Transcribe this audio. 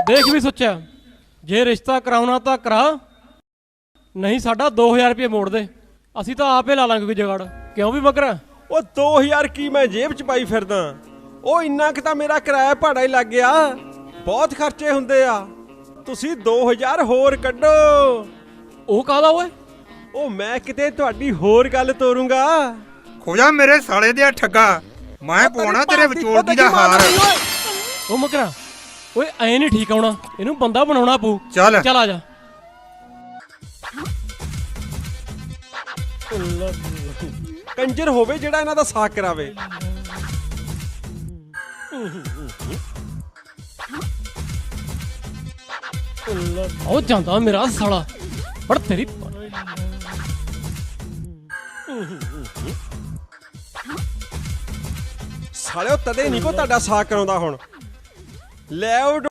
ਦੇਖ ਵੀ ਸੋਚਿਆ, ਜੇ ਰਿਸ਼ਤਾ ਕਰਾਉਣਾ ਤਾਂ ਕਰਾ, ਨਹੀਂ ਸਾਡਾ 2000 ਰੁਪਏ ਮੋੜ ਦੇ, ਅਸੀਂ ਤਾਂ ਆਪੇ ਲਾ ਲਾਂਗੇ ਕੋਈ ਜਗਾੜ। ਕਿਉਂ ਵੀ ਮਗਰਾ? ਉਹ 2000 ਕੀ ਮੈਂ ਜੇਬ 'ਚ ਪਾਈ ਫਿਰਦਾ? ਉਹ ਇੰਨਾ ਕੁ ਤਾਂ ਮੇਰਾ ਕਿਰਾਇਆ ਭਾੜਾ ਹੀ ਲੱਗ ਗਿਆ। ਬਹੁਤ ਖਰਚੇ ਹੁੰਦੇ ਆ। ਤੁਸੀਂ 2000 ਹੋਰ ਕੱਢੋ। ਉਹ ਕਾਹਦਾ ਓਏ? ਉਹ ਮੈਂ ਕਿਤੇ ਤੁਹਾਡੀ ਹੋਰ ਗੱਲ ਤੋਰੂੰਗਾ। ਖੋਜਾ ਮੇਰੇ ਸਾਲੇ ਦੇ ਠੱਗਾ, ਮੈਂ ਪਾਉਣਾ ਤੇਰੇ ਵਿਚੋਲਗੀ ਦਾ ਹਾਰ। ਉਹ ਮਗਰਾ ਓਏ, ਐ ਨਹੀਂ ਠੀਕ ਆਉਣਾ, ਇਹਨੂੰ ਬੰਦਾ ਬਣਾਉਣਾ ਪਊ। ਚੱਲ ਚੱਲ ਆ ਜਾ। ਕੰਜਰ ਹੋਵੇ ਜਿਹੜਾ ਇਹਨਾਂ ਦਾ ਸਾਕ ਕਰਾਵੇ। ਉਹ ਜਾਂਦਾ ਮੇਰਾ ਸਾਲਾ, ਪਰ ਤੇਰੀ ਸਾਲਿਓ ਤਦੇ ਨਹੀਂ ਕੋ ਤੁਹਾਡਾ ਸਾਕ ਕਰਾਉਂਦਾ ਹੁਣ। ਲੈ ਉਹ